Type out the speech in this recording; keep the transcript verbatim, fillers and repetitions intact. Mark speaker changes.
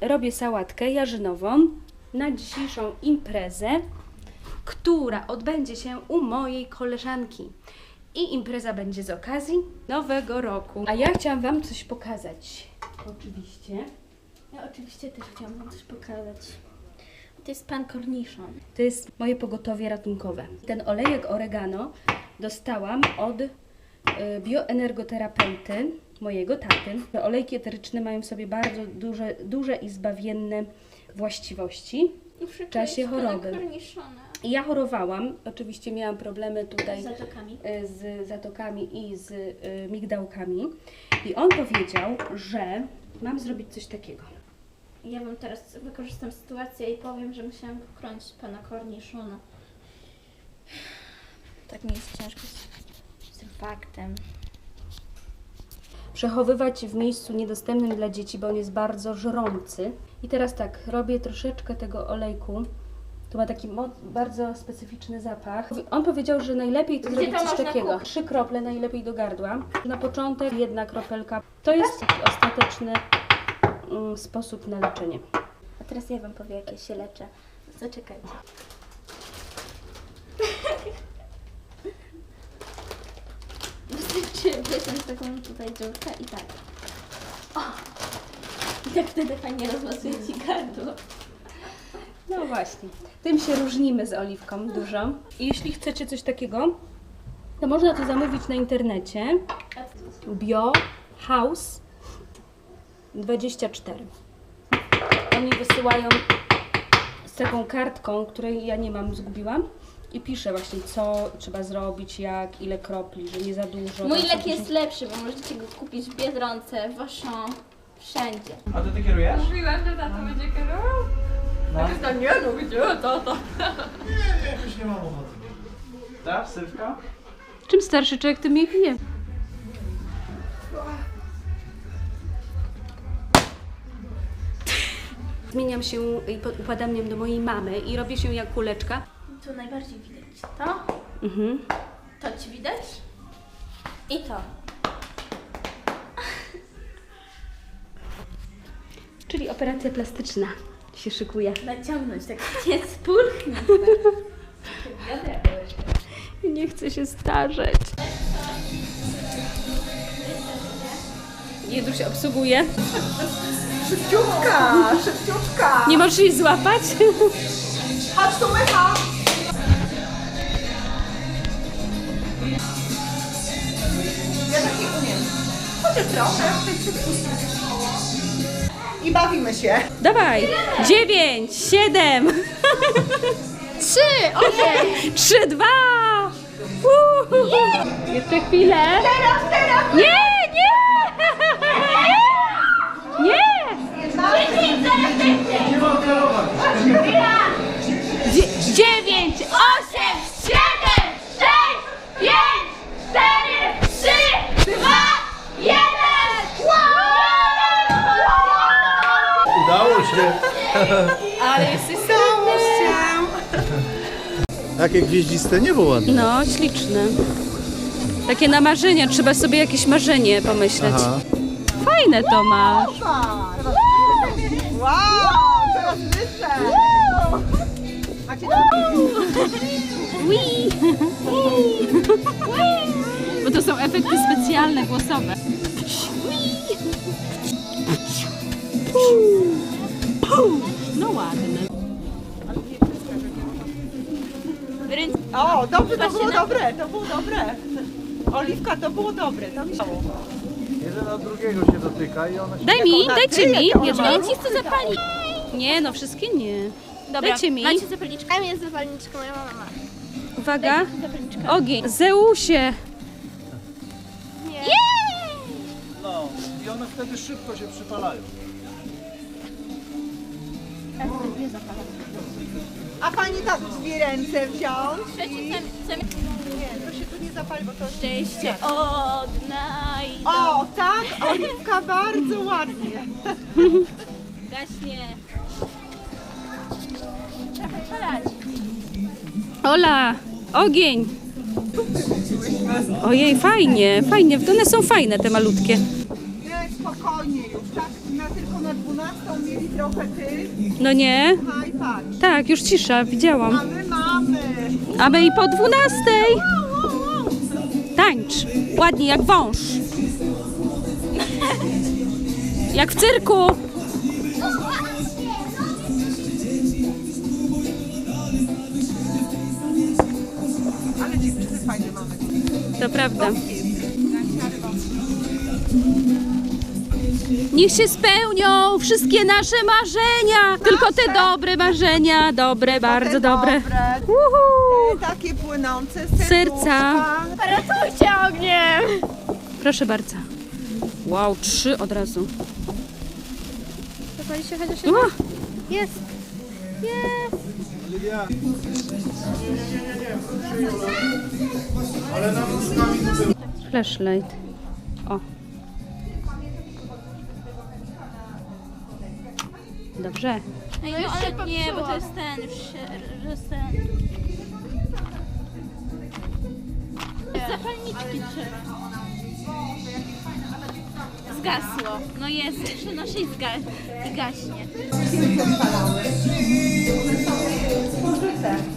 Speaker 1: robię sałatkę jarzynową na dzisiejszą imprezę, która odbędzie się u mojej koleżanki. I impreza będzie z okazji Nowego Roku. A ja chciałam Wam coś pokazać. Oczywiście.
Speaker 2: Ja oczywiście też chciałam Wam coś pokazać. To jest pan korniszon.
Speaker 1: To jest moje pogotowie ratunkowe. Ten olejek oregano dostałam od y, bioenergoterapeuty, mojego taty. Te olejki eteryczne mają w sobie bardzo duże, duże i zbawienne właściwości w czasie choroby. I ja chorowałam, oczywiście miałam problemy tutaj
Speaker 2: z zatokami,
Speaker 1: y, z zatokami i z y, migdałkami. I on powiedział, że mam zrobić coś takiego.
Speaker 2: Ja Wam teraz wykorzystam sytuację i powiem, że musiałam chronić pana korniszona. Tak mi jest ciężko z, z tym faktem.
Speaker 1: Przechowywać w miejscu niedostępnym dla dzieci, bo on jest bardzo żrący. I teraz tak, robię troszeczkę tego olejku. Tu ma taki bardzo specyficzny zapach. On powiedział, że najlepiej to
Speaker 2: Gdzie
Speaker 1: zrobić
Speaker 2: to
Speaker 1: coś
Speaker 2: można
Speaker 1: takiego.
Speaker 2: kupić?
Speaker 1: Trzy krople najlepiej do gardła. Na początek jedna kropelka. To jest taki ostateczny mm, sposób na leczenie.
Speaker 2: A teraz ja Wam powiem, jak ja się leczę. Zaczekajcie. Wystarczy wyciąć taką tutaj dziurkę i tak. O! I tak wtedy fajnie rozmasuje Ci gardło.
Speaker 1: No właśnie. Tym się różnimy z Oliwką dużo. I jeśli chcecie coś takiego, to można to zamówić na internecie. Bio House dwadzieścia cztery. Oni wysyłają z taką kartką, której ja nie mam, zgubiłam. I pisze właśnie, co trzeba zrobić, jak, ile kropli, że nie za dużo.
Speaker 2: Mój
Speaker 1: tam
Speaker 2: lek
Speaker 1: są
Speaker 2: jest lepszy, bo możecie go kupić w Biedronce, w Auchan, wszędzie.
Speaker 3: A ty ty kierujesz?
Speaker 4: Mówiłam, że tato będzie kierował.
Speaker 3: No.
Speaker 4: A ty tam nie, no gdzie tato?
Speaker 3: Nie, nie, jakoś nie mam ochoty. Tak, Sylwka?
Speaker 1: Czym starszy człowiek, tym mniej pije. Zmieniam się i upadam do mojej mamy i robię się jak kuleczka.
Speaker 2: Tu najbardziej widać to,
Speaker 1: Mhm.
Speaker 2: to Ci widać i to.
Speaker 1: Czyli operacja plastyczna się szykuje.
Speaker 2: Naciągnąć tak nie spulchnie.
Speaker 1: Nie chcę się starzeć. Jeduś obsługuje.
Speaker 4: Szybciutka, szybciutka.
Speaker 1: Nie możesz jej złapać?
Speaker 4: Chodź tu, Mycha. Ja tak nie umiem. Chociaż trochę. I bawimy się.
Speaker 1: Dawaj! Dziewięć, siedem,
Speaker 2: Trzy, osiem.
Speaker 1: trzy, dwa. Uhu. Jeszcze chwilę.
Speaker 4: Teraz, teraz.
Speaker 1: Nie, nie! Nie!
Speaker 3: Nie mam kierować.
Speaker 1: Dzie- dziewięć, osiem,
Speaker 2: Siedem, sześć, pięć, cztery, trzy, dwa, jeden.
Speaker 3: Udało się.
Speaker 4: Ale jesteś całością.
Speaker 3: Jakie gwieździste niebo ładne.
Speaker 1: No, śliczne. Takie na marzenia, trzeba sobie jakieś marzenie pomyśleć.
Speaker 3: Aha.
Speaker 1: Fajne to masz.
Speaker 4: Wow, teraz wyżej. Macie
Speaker 1: Wii. Bo to są efekty specjalne głosowe. No ładne.
Speaker 4: O, dobrze, to było dobre, to było dobre. Oliwka, to było dobre, to mi się...
Speaker 3: Jeden od drugiego się dotyka i ona się...
Speaker 1: Daj mi,
Speaker 4: ona
Speaker 1: dajcie
Speaker 4: kryje,
Speaker 1: mi
Speaker 4: jak ona
Speaker 1: jedno.
Speaker 4: ma
Speaker 2: Ja Ci chcę zapalić.
Speaker 1: Nie, no wszystkie nie.
Speaker 2: Dobra,
Speaker 1: Dajcie mi.
Speaker 2: macie zapalniczkę. Tam jest zapalniczka, moja mama ma.
Speaker 1: Uwaga.
Speaker 2: Zapalniczkę.
Speaker 1: Ogień. Zeusie.
Speaker 2: Nie.
Speaker 3: No, i one wtedy szybko się przypalają.
Speaker 4: A pani tak dwie ręce wziąć?
Speaker 2: Trzeci sem, sem...
Speaker 4: Nie, to się tu nie zapali, bo to...
Speaker 2: Szczęście odnajdą.
Speaker 4: O, tak, Oliwka, bardzo ładnie.
Speaker 2: Gaśnie. Trochę palać.
Speaker 1: Ola, ogień. Ojej, fajnie, fajnie. One są fajne, te malutkie.
Speaker 4: Nie, spokojnie już, tak, na, tylko na dwunastą mieli trochę trochę ty.
Speaker 1: No nie?
Speaker 4: Haj, patrz.
Speaker 1: Tak, już cisza, widziałam.
Speaker 4: A my mamy.
Speaker 1: A my i po dwunastej. Tańcz. Ładnie, jak wąż. Jak w cyrku.
Speaker 4: Ale dziewczyny fajne mamy.
Speaker 1: To prawda. Niech się spełnią wszystkie nasze marzenia. Tylko te dobre marzenia. Dobre, bardzo
Speaker 4: Te
Speaker 1: dobre.
Speaker 4: dobre.
Speaker 1: Uhu.
Speaker 4: Te takie płynące z
Speaker 1: Serca.
Speaker 4: serduszka.
Speaker 2: Ratujcie ogniem!
Speaker 1: Proszę bardzo. Wow, trzy od razu.
Speaker 2: Zapali się chociaż
Speaker 1: O,
Speaker 2: Jest. Jest.
Speaker 1: flashlight. O. Dobrze.
Speaker 2: Ej, no ale nie, bo to jest ten, już się, że jest ten. Zapalniczki trzeba. Zgasło. No jest, przenoszę i zga- i gaśnie.
Speaker 4: Spożyte.